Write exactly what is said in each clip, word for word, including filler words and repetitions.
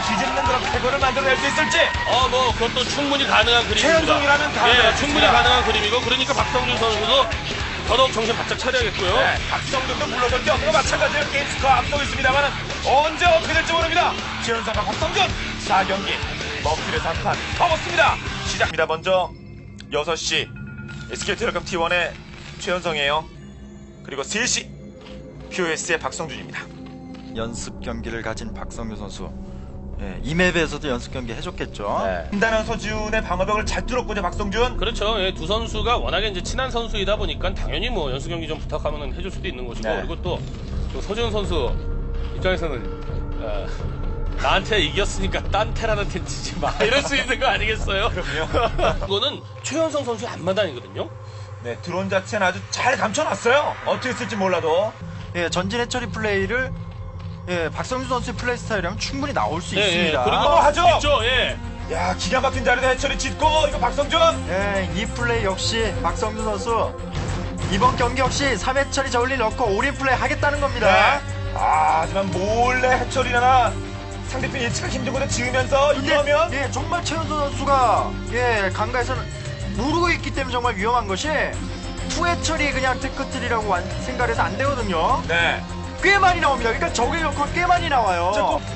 뒤집는 그런 패거를 만들어낼 수 있을지. 어, 뭐 그것도 충분히 가능한 그림입니다. 최현성이라면 다 예, 그렇습니다. 충분히 가능한 그림이고 그러니까 박성준 선수도 더더욱 정신 바짝 차려야겠고요. 네, 박성준도 물러설 게 없는 거 마찬가지로 게임 스코어 앞서고 있습니다만 언제 어떻게 될지 모릅니다. 최현성과 박성준 사 경기 먹기를 삼 판 퍼먹습니다. 시작입니다. 먼저 여섯 시 에스케이텔레콤 티 원의 최현성이에요. 그리고 세 시 피오에스의 박성준입니다. 연습 경기를 가진 박성규 선수. 예, 이 맵에서도 연습 경기 해줬겠죠. 네. 한다는 서지훈의 방어벽을 잘 뚫었군요. 박성준. 그렇죠. 예, 두 선수가 워낙에 이제 친한 선수이다 보니까 당연히 뭐 연습 경기 좀 부탁하면 해줄 수도 있는 것이고 네. 그리고 또, 또 서지훈 선수 입장에서는 어, 나한테 이겼으니까 딴 테란한테 치지 마 이럴 수 있는 거 아니겠어요? 그럼요. 이거는 최현성 선수의 앞마당이거든요. 네, 드론 자체는 아주 잘 감춰놨어요. 어떻게 쓸지 몰라도. 예, 전진 해처리 플레이를 예, 박성규 선수의 플레이 스타일이라면 충분히 나올 수 예, 있습니다. 예, 그리고 어, 하죠. 있죠. 예. 야, 기가 막힌 자리에 해처리 짓고 이거 박성준. 예, 이 플레이 역시 박성규 선수 이번 경기 역시 삼 회처리 저울리 넣고 올인 플레이 하겠다는 겁니다. 네. 아, 하지만 몰래 해처리나 상대편 예측가 힘든 곳에 지으면서 이러면 예, 정말 최현수 선수가 예, 강가에서는 모르고 있기 때문에 정말 위험한 것이 투 회처리 그냥 테크트리라고 완- 생각해서 안 되거든요. 네. 꽤 많이 나옵니다. 그러니까 적의 역할 꽤 많이 나와요.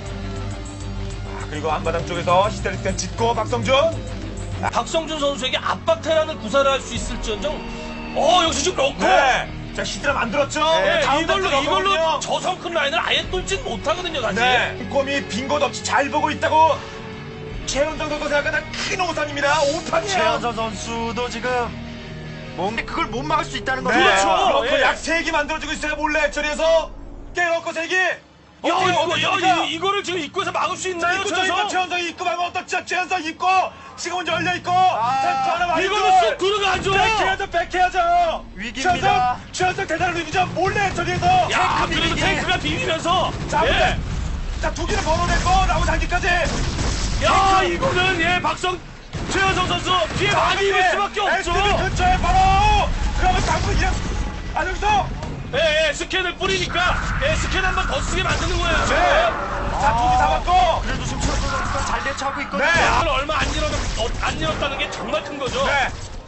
아, 그리고 앞마당 쪽에서 히스테릭 짓고 박성준. 박성준 선수에게 압박 테란을 구사를 할 수 있을지언정 어 역시 지금 넣고 네. 자, 히스테라 만들었죠. 네, 다음 이걸로 단계 이걸로 넣어보거든요. 저성 큰 라인을 아예 뚫진 못하거든요 사실. 네. 꼼이 빈 곳 없이 잘 보고 있다고 최현정 선수 생각하는 큰 오산입니다. 오판이에요. 최현서 선수도 지금 뭔가 그걸 못 막을 수 있다는 네. 거죠. 그렇죠. 그렇고 예. 약 세 개 만들어주고 있어요. 몰래 해처리에서 깨놓고 세 개. 야, 이거, 야, 이, 이거를 지금 입구에서 막을 수 자, 있나요? 입구 저성? 저입구 최현성이 입구 방어 어떻죠? 최현성 입구 지금은 열려있고 템포 하나 많이 이거는 쑥 들어가죠. 백해야죠 백해야죠. 위기입니다. 최현성, 최현성 대단한 위기죠. 몰래 해처리에서 야, 탱크 그래도 비비기. 탱크가 비비면서 자, 예. 자, 두 개를 걸어냈고 나머지 한 개까지. 야, 이거는 예, 박성 최현성 선수 피해 많이 입을 수밖에 없죠. 에스티비 근처에 바로 그러면 당구 이랑 아 여기서 예, 예, 스캔을 뿌리니까 예, 스캔 한 번 더 쓰게 만드는 거예요. 네. 지금. 자, 두 개 잡았고. 그래도 지금 최현서 선수가 잘 대처하고 있거든요. 네. 야, 얼마 안 잃었, 어, 안 잃었다는 게 정말 큰 거죠. 네.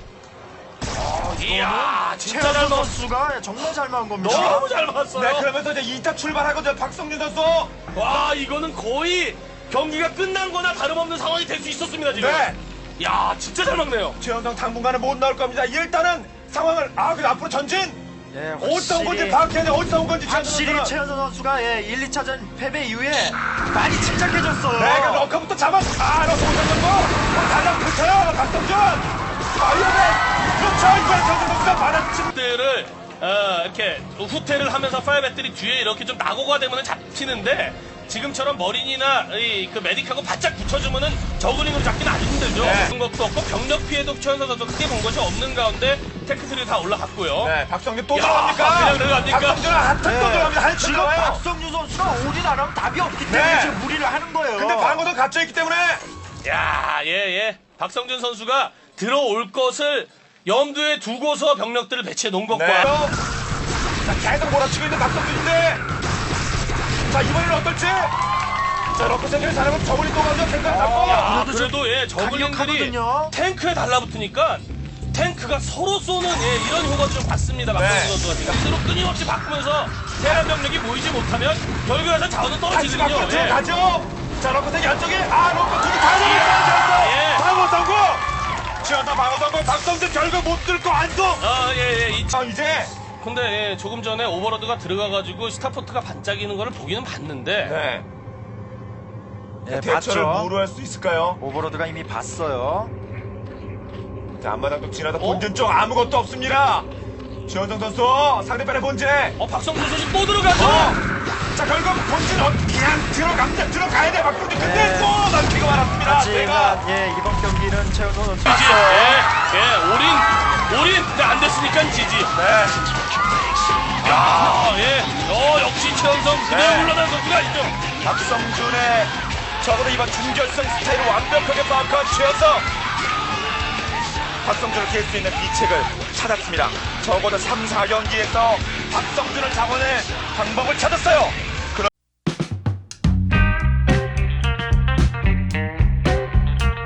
이야, 진짜 잘 최현서 먹었어. 선수가 정말 잘 막은 겁니다. 너무 잘 막았어요. 네, 그러면서 이제 이 차 출발하거든요. 박성준 선수. 와, 이거는 거의 경기가 끝난 거나 다름없는 상황이 될 수 있었습니다, 지금. 네. 야, 진짜 잘 막네요. 최현성 당분간은 못 나올 겁니다. 일단은 상황을 아, 그 앞으로 전진. 예, 어디서 온 건지 확실히, 파악해야 돼. 어디서 온 건지 확실히 최현성 선수는. 최현서 선수가 예, 일, 이 차전 패배 이후에 많이 침착해졌어요. 네, 그 러커부터 잡아. 아, 러커 못 잡고. 달랑 붙여요. 박성준. 아, 이러면 그렇죠. 이번에 최현성 선수가 받아친. 들을 어, 이렇게 후퇴를 하면서 파이어 배터리 뒤에 이렇게 좀 낙오가 되면 잡히는데 지금처럼 머린이나 이, 그 메딕하고 바짝 붙여주면은 저그링으로 잡기는 아주 힘들죠. 네. 그런 것도 없고 병력 피해도 최현선 선수 크게 본 것이 없는 가운데 테크트리 다 올라갔고요. 네, 박성준 또 야, 들어갑니까? 그냥 들어갑니까? 박성준은 한턴 또 들어갑니다. 한턴 지금 들어가요. 박성규 선수가 올인 안 하면 답이 없기 때문에 네. 지금 무리를 하는 거예요. 근데 방어도 갇혀있기 때문에. 야, 예, 예. 박성준 선수가 들어올 것을 염두에 두고서 병력들을 배치해 놓은 것과 네. 자, 계속 몰아치고 있는 박성준인데. 자, 이번에는 어떨지. 자, 러커 생각을 잘하면 저분이 또 가죠. 생각을 잡고. 야, 그래도 그래도 예, 저글링들이 강력하거든요. 탱크에 달라붙으니까 탱크가 서로 쏘는 예, 이런 효과를 좀 봤습니다. 박성준 네. 선수가 지금 스스로 끊임없이 바꾸면서 테란 병력이 모이지 못하면 결국에서 자원은 다시 밖으로 떨어지거든요. 예. 들어가죠. 자, 러커 생각 안쪽에. 아, 러커 두개 다 잡았어요. 예. 방어 성공. 지원다 방어 성공. 박성준 결국 못 들고 안동. 아, 예, 예. 이... 아, 이제. 근데 예, 조금 전에 오버로드가 들어가가지고 스타포트가 반짝이는 거를 보기는 봤는데 네. 예, 대처를 봤죠. 뭐로 할 수 있을까요? 오버로드가 이미 봤어요. 자, 앞마당도 지나다 어? 본진 쪽 아무것도 없습니다. 지원정 선수 상대편의 본진. 어, 박성준 선수 또 들어가죠? 어. 자, 결국 본진 어, 그냥 들어갑니다. 들어가야 돼. 박성준. 근데 네. 또 남기가 많았습니다. 제가. 하지만 예, 이번 경기는 최현서 선수 지지. 예, 예, 올인, 올인. 근데 안 됐으니까 지지. 네. 야, 예. 어, 역시 최현성 그대로 네. 물러난 선수가 있죠. 박성준의 적어도 이번 준결승 스타일을 완벽하게 파악한 최연성. 박성준을 깰 수 있는 비책을 찾았습니다. 적어도 삼, 사 경기에서 박성준을 잡아낼 방법을 찾았어요.